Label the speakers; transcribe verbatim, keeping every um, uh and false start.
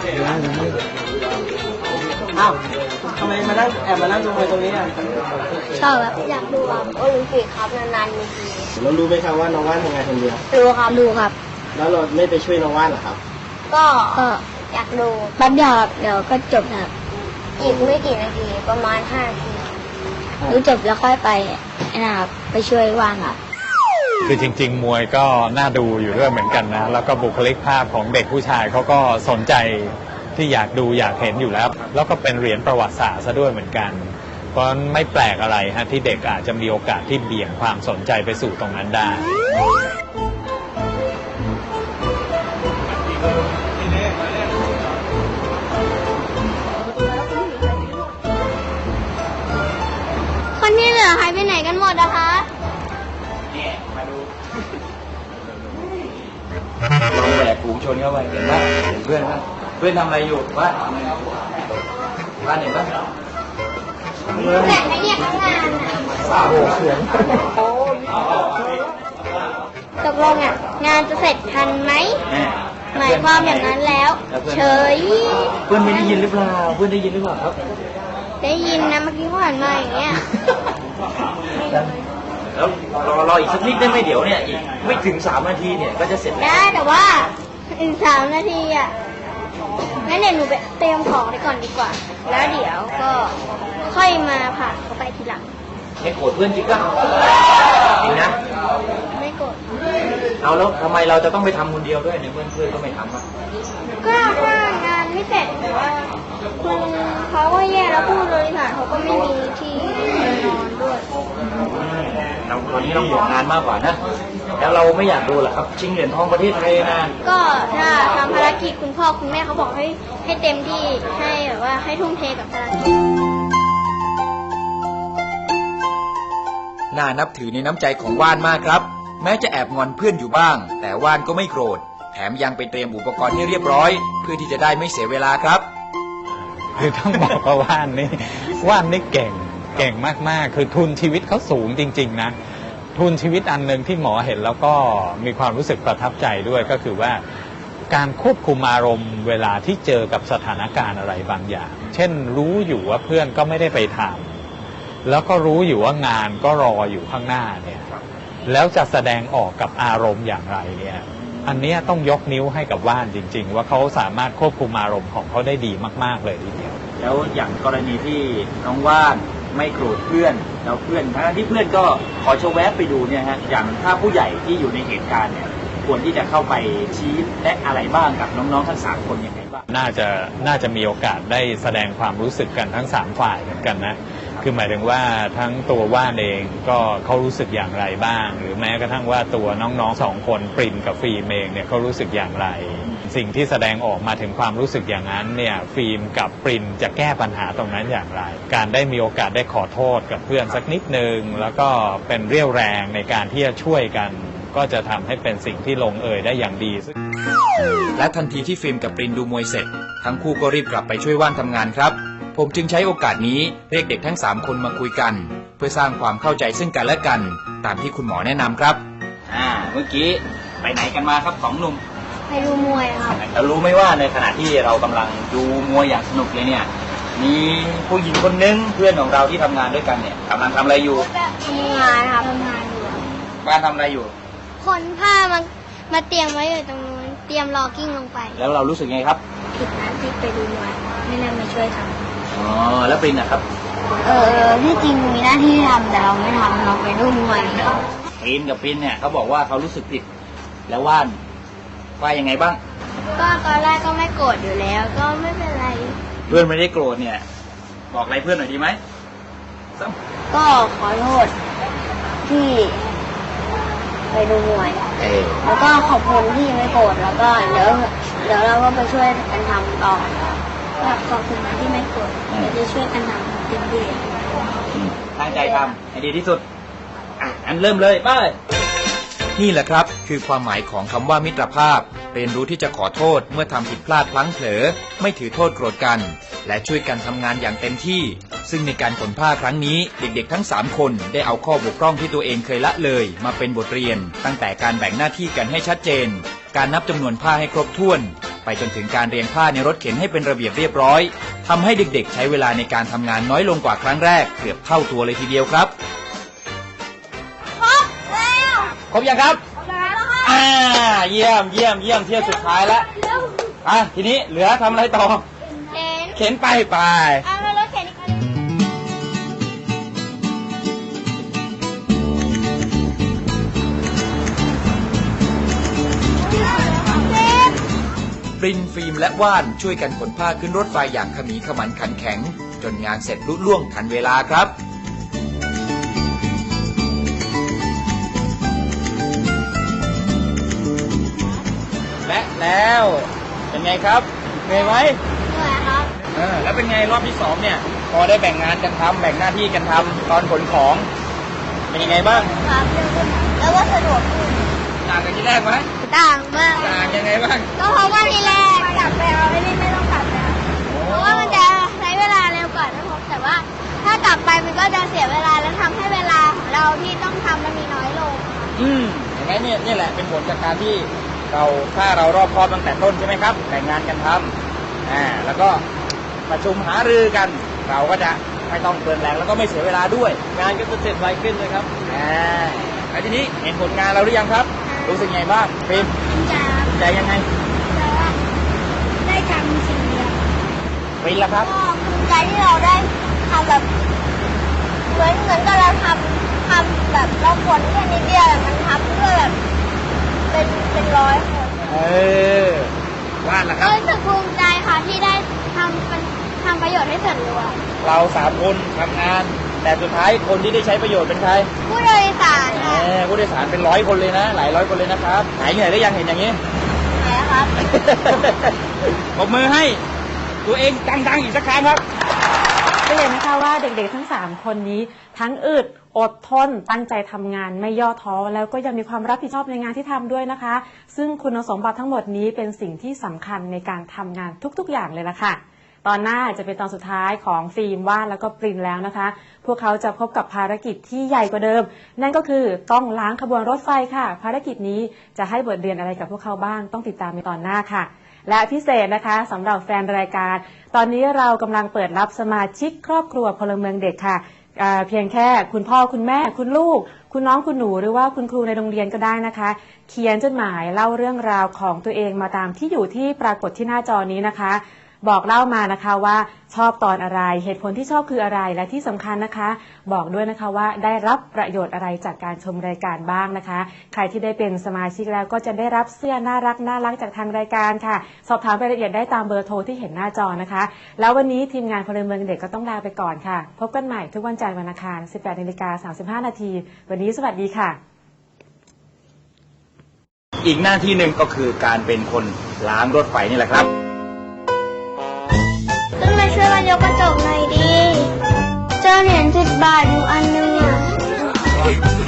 Speaker 1: อ้าวทำไมมานั่งแอบมานั่งดูมวยตรงนี้อ่ะ
Speaker 2: ชอบครับอยากดูครับโอลิมปิกครับนานๆมีที
Speaker 1: เรารู้ไหมครับว่าน้องว่านทำงานคนเดียว
Speaker 2: ดูครับดูครับ
Speaker 1: แล้วเราไม่ไปช่วยน้องว่านหรอครับ
Speaker 2: ก็อยากดูแป๊บเดียวเดี๋ยวก็จบครับอีกไม่กี่นาทีประมาณห้านาทีดูจบแล้วค่อยไปนะครับไปช่วยว่านครับ
Speaker 3: คือจริงๆมวยก็น่าดูอยู่ด้วยเหมือนกันนะแล้วก็บุคลิกภาพของเด็กผู้ชายเขาก็สนใจที่อยากดูอยากเห็นอยู่แล้วแล้วก็เป็นเหรียญประวัติศาสตร์ซะด้วยเหมือนกันเพราะไม่แปลกอะไรฮะที่เด็กอาจจะมีโอกาสที่เบี่ยงความสนใจไปสู่ตรงนั้นได้
Speaker 2: คนที่เหลือหายไปไหนกันหมดนะคะ
Speaker 1: นี่มาดูลองแบกฝูงชนเข้าไปเห็นป่ะเห็นเพื่อนป่ะเพื่อนทำอะไรอยู่ว่าว่าเห็นป่ะ
Speaker 2: แต่ไม่เรียกทั้งงาน
Speaker 1: สาวเสียง
Speaker 2: ตกลงอ่ะงานจะเสร็จทันไหมหมายความอย่างนั้นแล้วเฉย
Speaker 1: เพื่อนไม่ได้ยินหรือเปล่าเพื่อนได้ยินหรือเปล่าครับ
Speaker 2: ได้ยินนะเมื่อกี้เขาหันมาอย่างเงี้ย
Speaker 1: แล้วรอรออีกสักนิดได้ไหมเดี๋ยวเนี่ยอีกไม่ถึงสามนาทีเนี่ยก็จะเสร็จแล้ว
Speaker 2: ได้แต่ว่าอีกสามนาทีอ่ะงั้นเดี๋ยวหนูไปเตรียมของไปก่อนดีกว่าแล้วเดี๋ยวก็ค่อยมาผ่านเขาไปทีหลัง
Speaker 1: ไม่โกรธเพื่อนจริงก็จริงนะ
Speaker 2: ไม่โกรธ
Speaker 1: เอาแล้วทำไมเราจะต้องไปทำคนเดียวด้วยเนี่ยเพื่อนเพื่อนก็ไม่ทำอ่ะ
Speaker 2: ก็ถ้างานไม่เสร็จหรือว่าคุณเขาก็แย่แล้วผู้บริหารเขาก็ไม่มีที่นอนด้วย
Speaker 1: เราตอนนี้เราห่วงงานมากกว่านะแล้วเราไม่อยากดูหรอครับชิงเหรียญทองประเทศไทยนะ
Speaker 2: ก็ถ้าทำภารกิจคุณพ่อคุณแม่เขาบอกให้ให้เต็มที่ให้แบบว่าให้ทุ่มเทกับภารกิจ
Speaker 4: น่านับถือในน้ำใจของว่านมากครับแม้จะแอบงอนเพื่อนอยู่บ้างแต่ว่านก็ไม่โกรธแถมยังไปเตรียมอุปกรณ์ให้เรียบร้อยเพื่อที่จะได้ไม่เสียเวลาครับ
Speaker 3: คือต้องบอกว่าว่านนี่ว่านนี่เก่งเก่งมากๆคือทุนชีวิตเขาสูงจริงๆนะทุนชีวิตอันหนึ่งที่หมอเห็นแล้วก็มีความรู้สึกประทับใจด้วยก็คือว่าการควบคุมอารมณ์เวลาที่เจอกับสถานการณ์อะไรบางอย่างเช่นรู้อยู่ว่าเพื่อนก็ไม่ได้ไปทำแล้วก็รู้อยู่ว่างานก็รออยู่ข้างหน้าเนี่ยแล้วจะแสดงออกกับอารมณ์อย่างไรเนี่ยอันนี้ต้องยกนิ้วให้กับว่านจริงๆว่าเขาสามารถควบคุมอารมณ์ของเขาได้ดีมากๆเลยทีเดียว
Speaker 1: แล้วอย่างกรณีที่น้องว่านไม่โกรธเพื่อนแล้วเพื่อนทั้งที่เพื่อนก็ขอโชว์แวบไปดูเนี่ยฮะอย่างถ้าผู้ใหญ่ที่อยู่ในเหตุการณ์เนี่ยควรที่จะเข้าไปชี้แนะอะไรบ้างกับน้องๆทั้งสามคนยังไงบ้าง
Speaker 3: น่าจะน่าจะมีโอกาสได้แสดงความรู้สึกกันทั้งสามฝ่ายเหมือนกันนะคือหมายถึงว่าทั้งตัวว่านเองก็เขารู้สึกอย่างไรบ้างหรือแม้กระทั่งว่าตัวน้องๆสองคนปรินกับฟิล์มเองเนี่ยเขารู้สึกอย่างไรสิ่งที่แสดงออกมาถึงความรู้สึกอย่างนั้นเนี่ยฟิล์มกับปรินจะแก้ปัญหาตรงนั้นอย่างไรการได้มีโอกาสได้ขอโทษกับเพื่อนสักนิดนึงแล้วก็เป็นเรี่ยวแรงในการที่จะช่วยกันก็จะทำให้เป็นสิ่งที่ลงเอยได้อย่างดี
Speaker 4: และทันทีที่ฟิล์มกับปรินดูมวยเสร็จทั้งคู่ก็รีบกลับไปช่วยว่านทำงานครับผมจึงใช้โอกาสนี้เรียกเด็กทั้งสามคนมาคุยกันเพื่อสร้างความเข้าใจซึ่งกันและกันตามที่คุณหมอแนะนำครับ
Speaker 1: อ่าเมื่อกี้ไปไหนกันมาครับสองหนุ่ม
Speaker 2: ไปดูมวยครับ
Speaker 1: เรารู้ไหมว่าในขณะที่เรากำลังดูมวยอย่างสนุกเลยเนี่ยมีผู้หญิงคนนึงเพื่อนของเราที่ทำงานด้วยกันเนี่ยกำลังทำอะไรอยู่
Speaker 2: ทำงานครับทำงานอยู่
Speaker 1: บ้านทำอะไรอยู่
Speaker 2: ขนผ้ามามาเตรียมไว้อยู่ตรงนู้นเตรียมรอกิ้งลงไป
Speaker 1: แล้วเรารู้สึกไงครับ
Speaker 2: ผิดนะที่ไปดูมวยไม่น่ามาช่วยทำ
Speaker 1: อ๋อแล้วปรินนะครับ
Speaker 2: เออที่จริงมีหน้าที่ทำแต่เราไม่ทำเราไปดูมวย
Speaker 1: ปรินกับปรินเนี่ยเขาบอกว่าเขารู้สึกผิดแล้วว่านว่ายังไงบ้าง
Speaker 2: ก็ตอนแรกก็ไม่โกรธอยู่แล้วก็ไม่เป็นไร
Speaker 1: เพื่อนไม่ได้โกรธเนี่ยบอกอะไรเพื่อนหน่อยดีไหม
Speaker 2: ก็ขอโทษที่ไปดูมวยแล้วก็ขอบคุณที่ไม่โกรธแล้วก็เดี๋ยวเดี๋ยวเราก็ไปช่วยกันทำต่อขอบคุณที่ไม่โกรธเดี๋ยวจะช่วยกันทำเต็มที่
Speaker 1: ตั้งใจทำให้ดีที่สุดอ่ะอันเริ่มเลยไป
Speaker 4: นี่แหละครับคือความหมายของคำว่ามิตรภาพเรียนรู้ที่จะขอโทษเมื่อทำผิดพลาดพลั้งเผลอไม่ถือโทษโกรธกันและช่วยกันทำงานอย่างเต็มที่ซึ่งในการขนผ้าครั้งนี้เด็กๆทั้งสามคนได้เอาข้อบกพร่องที่ตัวเองเคยละเลยมาเป็นบทเรียนตั้งแต่การแบ่งหน้าที่กันให้ชัดเจนการนับจำนวนผ้าให้ครบถ้วนไปจนถึงการเรียงผ้าในรถเข็นให้เป็นระเบียบเรียบร้อยทำให้เด็กๆใช้เวลาในการทำงานน้อยลงกว่าครั้งแรกเกือบเท่าตัวเลยทีเดียวครับ
Speaker 2: ครบแล้ว
Speaker 1: ครบยังครับ
Speaker 2: ครบแล้วค่ะ
Speaker 1: อ่าเยี่ยมเยี่ยมเยี่ยมเที่ยวสุดท้ายแล้วอ่ะทีนี้เหลือทำอะไรต่อ
Speaker 2: เห็น
Speaker 1: เข็นไปไป
Speaker 2: เอามารถเข็นอีกคัน
Speaker 4: ปรินฟิล์มและว่านช่วยกันขนผ้าขึ้นรถไฟอย่างขมีขมันขันแข็ง จนงานเสร็จลุล่วงทันเวลาครับ
Speaker 1: และแล้วเป็นไงครับเหนื่อยไหม
Speaker 2: เหนื่อยครับ
Speaker 1: เออแล้วเป็นไงรอบที่สองเนี่ย พอได้แบ่งงานกันทำแบ่งหน้าที่กันทำตอนขนของ เป็นยังไงบ้าง
Speaker 2: ครับเร็วขึ้นแล้วก็สะดวกขึ้น
Speaker 1: ต่างกันที่แรกไหม
Speaker 2: ต่างมาก
Speaker 1: ต่างยังไงบ้าง
Speaker 2: ก็เพราะว่าทีแรกกลับไปเอาไอ้นี่ไม่ต้องกลับแล้วเพราะว่ามันจะใช้เวลาเร็วกว่านะผมแต่ว่าถ้ากลับไปมันก็จะเสียเวลาแล้วทำให้เวลาของเราที่ต้องทำมันมีน้อยลง
Speaker 1: อืมอย่างนั้นเนี่ยนี่แหละเป็นผลจากการที่เราถ้าเรารอบคอบตั้งแต่ต้นใช่ไหมครับแบ่งงานกันทำอ่าแล้วก็ประชุมหารือกัน เราก็จะไม่ต้องเปลืองแรงแล้วก็ไม่เสียเวลาด้วย งานก็จะเสร็จไวขึ้นเลยครับอ่าแล้วทีนี้เห็นผลงานเราหรือยังครับ รู้สึกไงบ้างฟิล์ม
Speaker 2: จริงจัง
Speaker 1: ใจยังไง
Speaker 2: แต่ว่าได้ทำสิ่งเดียว
Speaker 1: ฟิล์มล่ะครับ
Speaker 2: ก็ภูมิใจที่เราได้ทำแบบเหมือนเหมือนกับเราทำทำแบบเราผลแค่นิดเดียวแต่มันทำเพื่อแบบเป็นเป็นร้อยคน
Speaker 1: เออวาดล่ะครับ
Speaker 2: รู้สึกภูมิใจค่ะที่ได้ทำเป็นทำประโยชน์ให้ส่วนรวม
Speaker 1: เราสามคนทำงาน แต่สุดท้ายคนที่ได้ใช้ประโยชน์เป็นใคร
Speaker 2: ผู้โดยสาร
Speaker 1: แห
Speaker 2: ค่ะ
Speaker 1: มผู้โดยสารเป็นร้อยคนเลยนะ หลายร้อยคนเลยนะครับหายเหนื่อยหรือยังเห็นอย่างนี้
Speaker 2: ไหนครับ
Speaker 1: ปรบมือให้ตัวเองดังๆอีกสักครั้งครับ
Speaker 5: ก็เลยนะคะว่าเด็กๆทั้งสามคนนี้ทั้งอึดอดทนตั้งใจทำงานไม่ย่อท้อแล้วก็ยังมีความรับผิดชอบในงานที่ทำด้วยนะคะ ซึ่งคุณสมบัติทั้งหมดนี้เป็นสิ่งที่สำคัญในการทำงานทุกๆอย่างเลยละค่ะตอนหน้าจะเป็นตอนสุดท้ายของฟิล์มว่านแล้วก็ปรินแล้วนะคะ พวกเขาจะพบกับภารกิจที่ใหญ่กว่าเดิม นั่นก็คือต้องล้างขบวนรถไฟค่ะ ภารกิจนี้จะให้บทเรียนอะไรกับพวกเขาบ้างต้องติดตามในตอนหน้าค่ะ และพิเศษนะคะสำหรับแฟนรายการ ตอนนี้เรากำลังเปิดรับสมาชิกครอบครัวพลเมืองเด็กค่ะอ่าเพียงแค่คุณพ่อคุณแม่คุณลูก คุณน้องคุณหนูหรือว่าคุณครูในโรงเรียนก็ได้นะคะ เขียนจดหมายเล่าเรื่องราวของตัวเองมาตามที่อยู่ที่ปรากฏที่หน้าจอนี้นะคะ บอกเล่ามานะคะว่าชอบตอนอะไรเหตุผลที่ชอบคืออะไรและที่สำคัญนะคะ บอกด้วยนะคะว่าได้รับประโยชน์อะไรจากการชมรายการบ้างนะคะ ใครที่ได้เป็นสมาชิกแล้วก็จะได้รับเสื้อน่ารักน่ารักจากทางรายการค่ะ สอบถามรายละเอียดได้ตามเบอร์โทรที่เห็นหน้าจอนะคะ แล้ววันนี้ทีมงานพลเมืองเด็กก็ต้องลาไปก่อนค่ะ พบกันใหม่ทุกวันจันทร์วันอังคาร สิบแปดนาฬิกาสามสิบห้านาทีวันนี้สวัสดีค่ะ
Speaker 1: อีกหน้าที่หนึ่งก็คือการเป็นคนล้างรถไฟนี่แหละครับ
Speaker 2: ขึ้นมาช่วยกันยกกระจกหน่อยดีเจอเหรียญสิบบาทอยู่อันนึงอ่ะ